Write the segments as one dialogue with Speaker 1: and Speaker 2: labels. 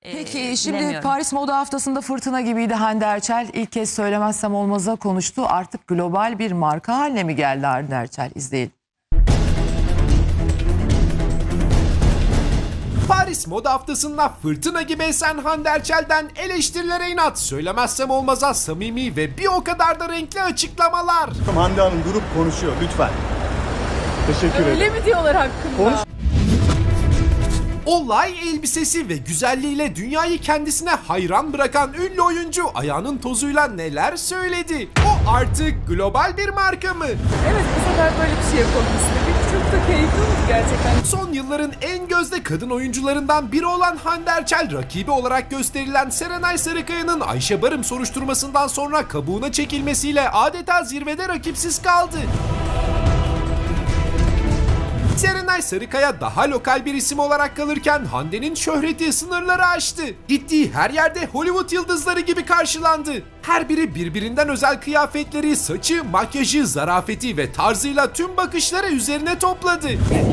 Speaker 1: Peki şimdi
Speaker 2: bilemiyorum.
Speaker 1: Paris Moda Haftası'nda fırtına gibiydi Hande Erçel. İlk kez söylemezsem olmaza konuştu. Artık global bir marka haline mi geldi Hande Erçel? İzleyelim.
Speaker 3: Paris Moda Haftası'nda fırtına gibi esen Hande Erçel'den eleştirilere inat, söylemezsem olmaza samimi ve bir o kadar da renkli açıklamalar.
Speaker 4: Hande Hanım durup konuşuyor lütfen. Teşekkür ederim.
Speaker 5: Öyle mi diyorlar hakkında?
Speaker 4: Konuş.
Speaker 3: Olay elbisesi ve güzelliğiyle dünyayı kendisine hayran bırakan ünlü oyuncu ayağının tozuyla neler söyledi? O artık global bir marka mı?
Speaker 5: Evet, bu sefer böyle bir şey yapalım istedik. Çok da keyifli oldu gerçekten.
Speaker 3: Son yılların en gözde kadın oyuncularından biri olan Hande Erçel, rakibi olarak gösterilen Serenay Sarıkaya'nın Ayşe Barım soruşturmasından sonra kabuğuna çekilmesiyle adeta zirvede rakipsiz kaldı. Serenay Sarıkaya daha lokal bir isim olarak kalırken Hande'nin şöhreti sınırları aştı. Gittiği her yerde Hollywood yıldızları gibi karşılandı. Her biri birbirinden özel kıyafetleri, saçı, makyajı, zarafeti ve tarzıyla tüm bakışları üzerine topladı.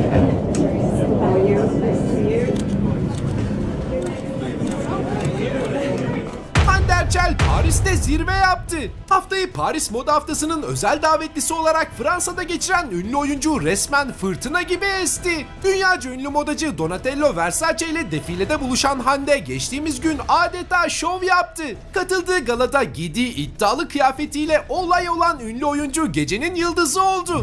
Speaker 3: Hande Erçel Paris'te zirve yaptı. Haftayı Paris Moda Haftası'nın özel davetlisi olarak Fransa'da geçiren ünlü oyuncu resmen fırtına gibi esti. Dünyaca ünlü modacı Donatello Versace ile defilede buluşan Hande geçtiğimiz gün adeta şov yaptı. Katıldığı galada giydiği iddialı kıyafetiyle olay olan ünlü oyuncu gecenin yıldızı oldu.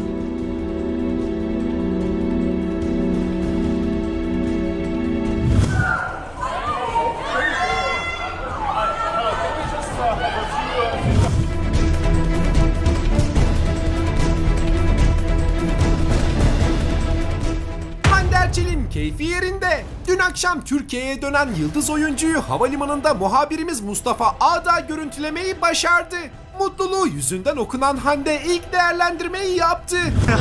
Speaker 3: Hande Erçel'in keyfi yerinde. Dün akşam Türkiye'ye dönen yıldız oyuncuyu havalimanında muhabirimiz Mustafa Ağda görüntülemeyi başardı. Mutluluğu yüzünden okunan Hande ilk değerlendirmeyi yaptı.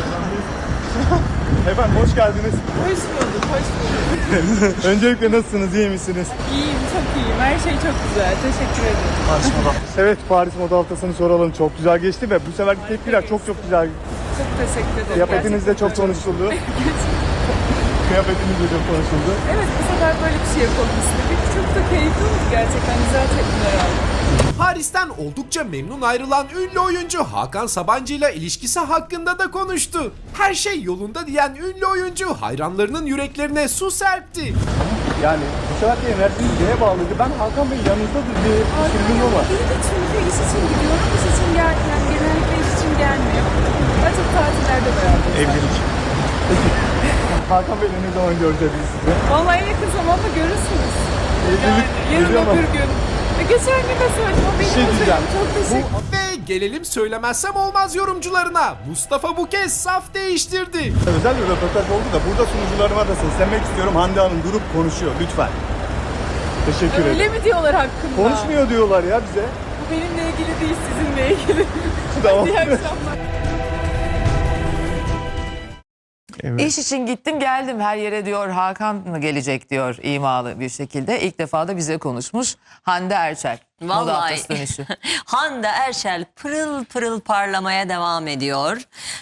Speaker 4: Efendim hoş geldiniz.
Speaker 5: Hoş bulduk, hoş bulduk.
Speaker 4: Öncelikle nasılsınız, iyi misiniz?
Speaker 5: İyiyim, çok iyiyim. Her şey çok güzel. Teşekkür ederim.
Speaker 4: Evet, Paris Moda Haftası'nı soralım. Çok güzel geçti ve bu seferki tepkiler çok güzel.
Speaker 5: Çok teşekkür ederim.
Speaker 4: Kıyafetiniz de çok konuşuldu. Kıyafetiniz de çok konuşuldu.
Speaker 5: Evet, bu sefer böyle bir şey yapalım istedik. Çok da keyifli oldu gerçekten. Güzel tepkiler aldım.
Speaker 3: Paris'ten oldukça memnun ayrılan ünlü oyuncu Hakan Sabancı ile ilişkisi hakkında da konuştu. Her şey yolunda diyen ünlü oyuncu hayranlarının yüreklerine su serpti.
Speaker 4: Yani bu seferki enerjiniz neye bağlıydı? Ben Hakan Bey yanınızdadır diye düşündüm ama.
Speaker 5: İyi de çünkü iş için gidiyorum. İş için gelmiyor. Yani genellikle iş için gelmiyor. Daha çok tatillerde beraberiz.
Speaker 4: Evlilik. Hakan Bey'le ne zaman göreceğiz sizi?
Speaker 5: Vallahi en yakın zamanda görürsünüz. Yani yarın
Speaker 4: geliyor ama.
Speaker 5: öbür gün. Geçen gün de söyledim. O benim
Speaker 4: şey diyeceğim.
Speaker 5: Çok teşekkür
Speaker 3: Ve gelelim söylemezsem olmaz yorumcularına. Mustafa bu kez saf değiştirdi.
Speaker 4: Özel bir röportaj oldu da burada sunucularıma da seslenmek istiyorum. Hande Hanım durup konuşuyor lütfen. Teşekkür ederim.
Speaker 5: Öyle mi diyorlar hakkında?
Speaker 4: Konuşmuyor diyorlar ya bize.
Speaker 5: Bu benimle ilgili değil, sizinle ilgili.
Speaker 4: Tamam.
Speaker 5: İyi akşamlar.
Speaker 1: İş için gittim geldim her yere diyor Hakan mı gelecek diyor imalı bir şekilde. İlk defa da bize konuşmuş Hande Erçel. Moda
Speaker 2: Vallahi
Speaker 1: Haftası dönüşü.
Speaker 2: Hande Erçel pırıl pırıl parlamaya devam ediyor.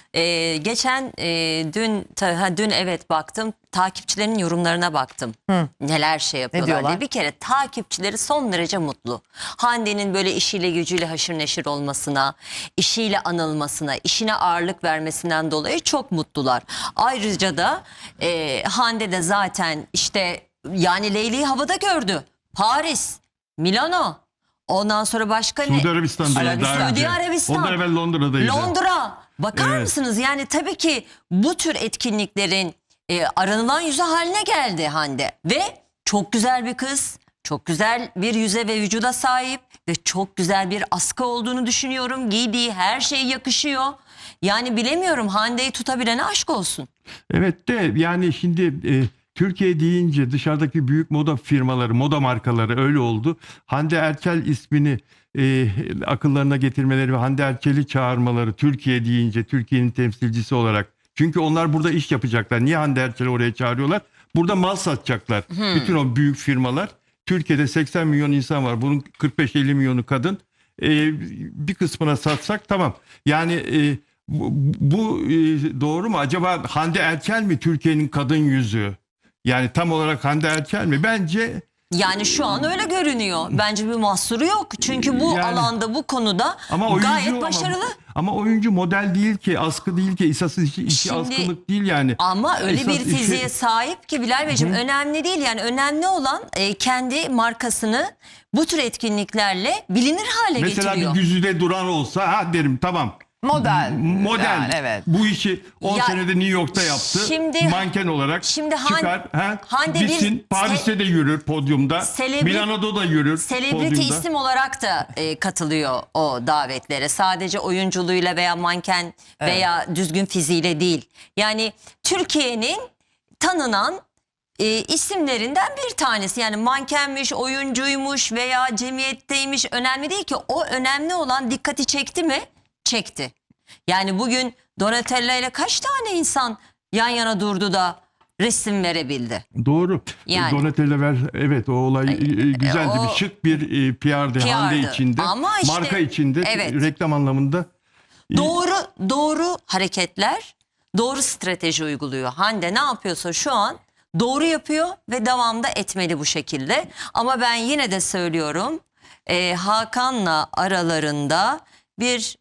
Speaker 2: Dün evet baktım, takipçilerin yorumlarına baktım. Neler şey yapıyorlar
Speaker 1: diyorlar?
Speaker 2: diye. Bir kere takipçileri son derece mutlu. Hande'nin böyle işiyle gücüyle haşır neşir olmasına, işiyle anılmasına, işine ağırlık vermesinden dolayı çok mutlular. Ayrıca da Hande de zaten işte yani Leyli'yi havada gördü. Paris, Milano. Ondan sonra başka ne?
Speaker 6: Suudi Arabistan'daydı daha önce.
Speaker 2: Suudi Arabistan.
Speaker 6: Ondan evvel Londra'daydı.
Speaker 2: Londra. Bakar
Speaker 6: Evet.
Speaker 2: mısınız? Yani tabii ki bu tür etkinliklerin aranılan yüzü haline geldi Hande. Ve çok güzel bir kız. Çok güzel bir yüze ve vücuda sahip. Ve çok güzel bir askı olduğunu düşünüyorum. Giydiği her şey yakışıyor. Yani bilemiyorum, Hande'yi tutabilene aşk olsun.
Speaker 6: Evet de yani şimdi Türkiye deyince dışarıdaki büyük moda firmaları, moda markaları öyle oldu. Hande Erçel ismini akıllarına getirmeleri ve Hande Erçel'i çağırmaları Türkiye deyince Türkiye'nin temsilcisi olarak. Çünkü onlar burada iş yapacaklar. Niye Hande Erçel'i oraya çağırıyorlar? Burada mal satacaklar. Bütün o büyük firmalar. Türkiye'de 80 milyon insan var. Bunun 45-50 milyonu kadın. Bir kısmına satsak tamam. Yani bu doğru mu? Acaba Hande Erçel mi Türkiye'nin kadın yüzü? Yani tam olarak Hande Erçel mi? Bence
Speaker 2: Yani şu an öyle görünüyor. Bence bir mahsuru yok. Çünkü bu
Speaker 6: Yani-
Speaker 2: alanda, bu konuda
Speaker 6: Ama oyuncu
Speaker 2: gayet başarılı.
Speaker 6: Ama oyuncu model değil ki, askı değil ki, esas işi
Speaker 2: Şimdi-
Speaker 6: askılık değil yani.
Speaker 2: Ama öyle
Speaker 6: Esas
Speaker 2: bir
Speaker 6: işi-
Speaker 2: fiziğe sahip ki Bilal Beyciğim, önemli değil. Yani önemli olan kendi markasını bu tür etkinliklerle bilinir hale
Speaker 6: Mesela
Speaker 2: getiriyor.
Speaker 6: bir Güzide Duran olsa ha derim tamam.
Speaker 1: Model.
Speaker 6: Model.
Speaker 1: Yani, evet.
Speaker 6: Bu işi 10
Speaker 2: Ya,
Speaker 6: senede New York'ta yaptı.
Speaker 2: şimdi-
Speaker 6: Manken olarak
Speaker 2: şimdi
Speaker 6: çıkar.
Speaker 2: Hande bir
Speaker 6: Bitsin. Paris'te de yürür podyumda. Milano'da da yürür
Speaker 2: Celebrity
Speaker 6: podyumda.
Speaker 2: isim olarak da katılıyor o davetlere. Sadece oyunculuğuyla veya manken veya düzgün fiziğiyle değil. Yani Türkiye'nin tanınan isimlerinden bir tanesi. Yani mankenmiş, oyuncuymuş veya cemiyetteymiş, önemli değil ki. O önemli olan, dikkati çekti mi? Çekti. Yani bugün Donatella ile kaç tane insan yan yana durdu da resim verebildi?
Speaker 6: Doğru.
Speaker 2: Yani.
Speaker 6: Donatella evet o olay güzeldi.
Speaker 2: o-
Speaker 6: Bir şık bir PR'di Hande
Speaker 2: PR'dı.
Speaker 6: içinde.
Speaker 2: Ama işte-
Speaker 6: marka içinde.
Speaker 2: Evet.
Speaker 6: Reklam anlamında.
Speaker 2: Doğru hareketler, doğru strateji uyguluyor. Hande ne yapıyorsa şu an doğru yapıyor ve devamda etmeli bu şekilde. Ama ben yine de söylüyorum, Hakan'la aralarında bir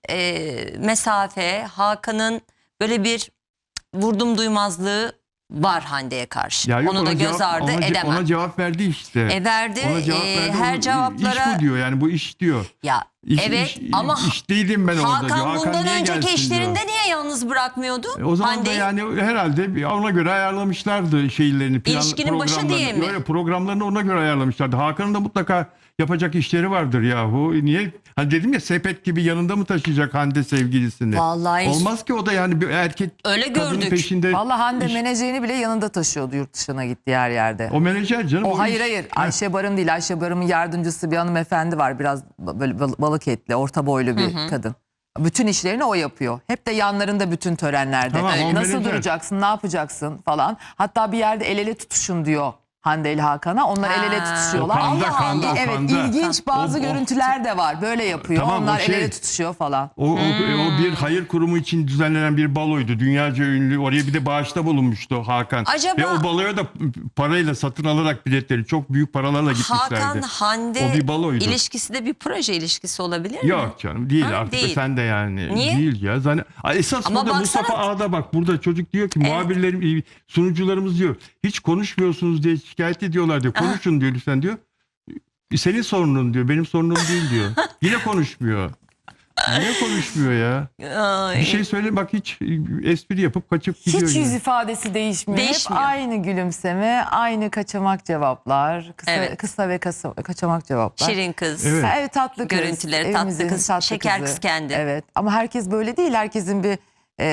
Speaker 2: mesafe, Hakan'ın böyle bir vurdum duymazlığı var Hande'ye karşı.
Speaker 6: Ya yok,
Speaker 2: Onu da
Speaker 6: ona
Speaker 2: göz
Speaker 6: cevap-
Speaker 2: ardı
Speaker 6: ona ce-
Speaker 2: edemem.
Speaker 6: Ona cevap verdi işte.
Speaker 2: Verdi.
Speaker 6: Ona cevap verdi.
Speaker 2: Her
Speaker 6: İş
Speaker 2: cevaplara...
Speaker 6: bu diyor yani, bu iş diyor.
Speaker 2: Ya evet ama
Speaker 6: iş değilim ben orada diyor.
Speaker 2: Hakan bundan
Speaker 6: niye
Speaker 2: önceki
Speaker 6: gelsin
Speaker 2: işlerinde
Speaker 6: diyor.
Speaker 2: niye yalnız bırakmıyordu?
Speaker 6: O zaman
Speaker 2: Hande'yi?
Speaker 6: da yani herhalde ona göre ayarlamışlardı şeylerini.
Speaker 2: İlişkinin başı
Speaker 6: programlarını.
Speaker 2: diye mi?
Speaker 6: Öyle programlarını ona göre ayarlamışlardı. Hakan'ın da mutlaka yapacak işleri vardır yahu. Niye? Hani dedim ya, sepet gibi yanında mı taşıyacak Hande sevgilisini?
Speaker 2: Vallahi
Speaker 6: Olmaz ki, o da yani bir erkek
Speaker 2: Öyle
Speaker 6: kadının
Speaker 2: gördük.
Speaker 6: peşinde.
Speaker 1: Vallahi Hande
Speaker 6: iş-
Speaker 1: menajerini bile yanında taşıyordu yurt dışına gittiği her yerde.
Speaker 6: O menajer canım.
Speaker 1: O hayır
Speaker 6: iş-
Speaker 1: hayır.
Speaker 6: Ha.
Speaker 1: Ayşe Barım değil. Ayşe Barım'ın yardımcısı bir hanımefendi var. Biraz böyle balık etli, orta boylu bir kadın. Bütün işlerini o yapıyor. Hep de yanlarında bütün törenlerde.
Speaker 6: Tamam, o
Speaker 1: Nasıl
Speaker 6: menajer.
Speaker 1: duracaksın, ne yapacaksın falan. Hatta bir yerde el ele tutuşun diyor Hande ile Hakan'a. Onlar el ele
Speaker 2: Ha.
Speaker 1: tutuşuyorlar.
Speaker 6: O kanda,
Speaker 1: Allah
Speaker 6: kanda,
Speaker 1: Allah.
Speaker 6: o
Speaker 1: Evet,
Speaker 6: kanda.
Speaker 1: ilginç bazı
Speaker 6: O-
Speaker 1: görüntüler de var. Böyle yapıyor.
Speaker 6: Tamam, o
Speaker 1: Onlar el
Speaker 6: şey-
Speaker 1: ele tutuşuyor falan.
Speaker 6: O bir hayır kurumu için düzenlenen bir baloydu. Dünyaca ünlü. Oraya bir de bağışta bulunmuştu Hakan.
Speaker 2: Acaba-
Speaker 6: Ve o baloya da parayla satın alarak biletleri, çok büyük paralarla gitmişlerdi.
Speaker 2: Hakan Hande
Speaker 6: O bir baloydu.
Speaker 2: ilişkisi de bir proje ilişkisi olabilir mi?
Speaker 6: Yok canım, değil
Speaker 2: Ha,
Speaker 6: artık.
Speaker 2: değil.
Speaker 6: Sen de yani.
Speaker 2: Niye?
Speaker 6: Değil ya. Esas
Speaker 2: Ama
Speaker 6: burada
Speaker 2: baksana-
Speaker 6: Mustafa Ağa'da bak. Burada çocuk diyor ki muhabirlerim, sunucularımız diyor. Hiç konuşmuyorsunuz diye şikayet ediyorlar diyor. Konuşun diyor lütfen diyor. Senin sorunun diyor. Benim sorunum değil diyor. Yine konuşmuyor. Yine konuşmuyor ya.
Speaker 2: Ay.
Speaker 6: Bir şey söyle bak, hiç espri yapıp kaçıp gidiyor.
Speaker 1: Hiç
Speaker 6: yine.
Speaker 1: yüz ifadesi değişmiyor.
Speaker 2: Değişmiyor.
Speaker 1: Hep aynı gülümseme, aynı kaçamak cevaplar. Kısa ve kaçamak cevaplar.
Speaker 2: Şirin kız.
Speaker 6: Evet.
Speaker 1: Ha, evet, tatlı kız.
Speaker 2: Görüntüleri, tatlı
Speaker 1: Evimizin
Speaker 2: kız, şeker kız kendi.
Speaker 1: Evet, ama herkes böyle değil. Herkesin bir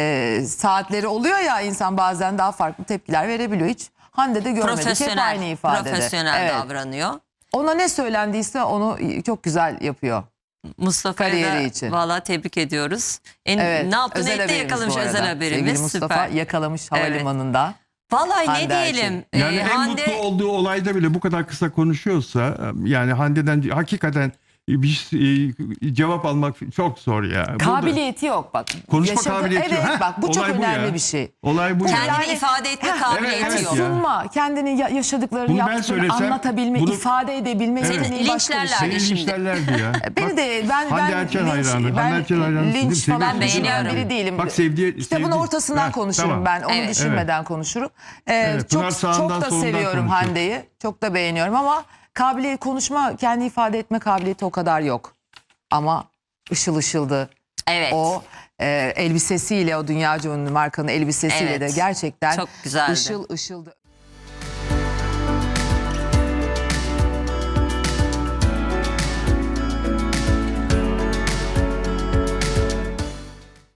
Speaker 1: saatleri oluyor ya, insan bazen daha farklı tepkiler verebiliyor. Hiç Hande'de görmedik. Hep aynı ifadede.
Speaker 2: Profesyonel
Speaker 1: Evet.
Speaker 2: davranıyor.
Speaker 1: Ona ne söylendiyse onu çok güzel yapıyor.
Speaker 2: Mustafa'yı
Speaker 1: Kariyeri
Speaker 2: da
Speaker 1: için.
Speaker 2: valla tebrik ediyoruz.
Speaker 1: Evet.
Speaker 2: Ne yaptığını
Speaker 1: özel
Speaker 2: etti,
Speaker 1: haberimiz
Speaker 2: yakalamış
Speaker 1: bu arada.
Speaker 2: özel haberimiz.
Speaker 1: Sevgili Mustafa
Speaker 2: Süper.
Speaker 1: yakalamış havalimanında.
Speaker 2: Vallahi
Speaker 1: Hande
Speaker 2: ne diyelim.
Speaker 6: Yani en
Speaker 2: Hande
Speaker 6: mutlu olduğu olayda bile bu kadar kısa konuşuyorsa, yani Hande'den hakikaten bir cevap almak çok zor ya. Burada
Speaker 1: Kabiliyeti yok bak.
Speaker 6: konuşma kabiliyeti yok.
Speaker 1: Evet
Speaker 6: Heh,
Speaker 1: bak, bu çok
Speaker 6: olay bu
Speaker 1: önemli
Speaker 6: ya.
Speaker 1: bir şey.
Speaker 6: Olay bu ya.
Speaker 2: kendini
Speaker 1: Yani-
Speaker 2: ifade etme
Speaker 1: Heh,
Speaker 2: kabiliyeti
Speaker 6: evet
Speaker 2: yok.
Speaker 6: ya.
Speaker 1: Sunma, kendini yaşadıklarını,
Speaker 6: Bunu ben
Speaker 1: yaptıklarını
Speaker 6: söylesem,
Speaker 1: anlatabilme,
Speaker 6: bunu-
Speaker 1: ifade edebilme
Speaker 6: Evet.
Speaker 1: yeteneği başka bir
Speaker 2: Linçlerler.
Speaker 1: şey.
Speaker 6: Seni
Speaker 2: şimdi.
Speaker 6: linçlerlerdi ya.
Speaker 1: Beni de ben
Speaker 6: Hande Erçel
Speaker 1: linç-
Speaker 6: hayranı. Hande Erçel hayranısın değil mi?
Speaker 1: linç falan
Speaker 6: Seviyorsun
Speaker 2: değil mi?
Speaker 1: düşünen
Speaker 2: Beğeniyorum.
Speaker 1: biri değilim.
Speaker 6: Bak sevdiği...
Speaker 1: Kitabın ortasından konuşurum
Speaker 6: tamam.
Speaker 1: ben. Onu
Speaker 2: Evet.
Speaker 1: düşünmeden konuşurum.
Speaker 6: Evet, Pınar
Speaker 1: Çok
Speaker 6: sağından,
Speaker 1: da
Speaker 6: solundan
Speaker 1: seviyorum
Speaker 6: konuşuyor.
Speaker 1: Hande'yi. Çok da beğeniyorum ama konuşma, kendi ifade etme kabiliyeti o kadar yok. Ama ışıl ışıldı.
Speaker 2: Evet.
Speaker 1: O elbisesiyle, o dünyaca ünlü markanın elbisesiyle
Speaker 2: Evet.
Speaker 1: de gerçekten
Speaker 2: Çok güzeldi.
Speaker 1: ışıl ışıldı.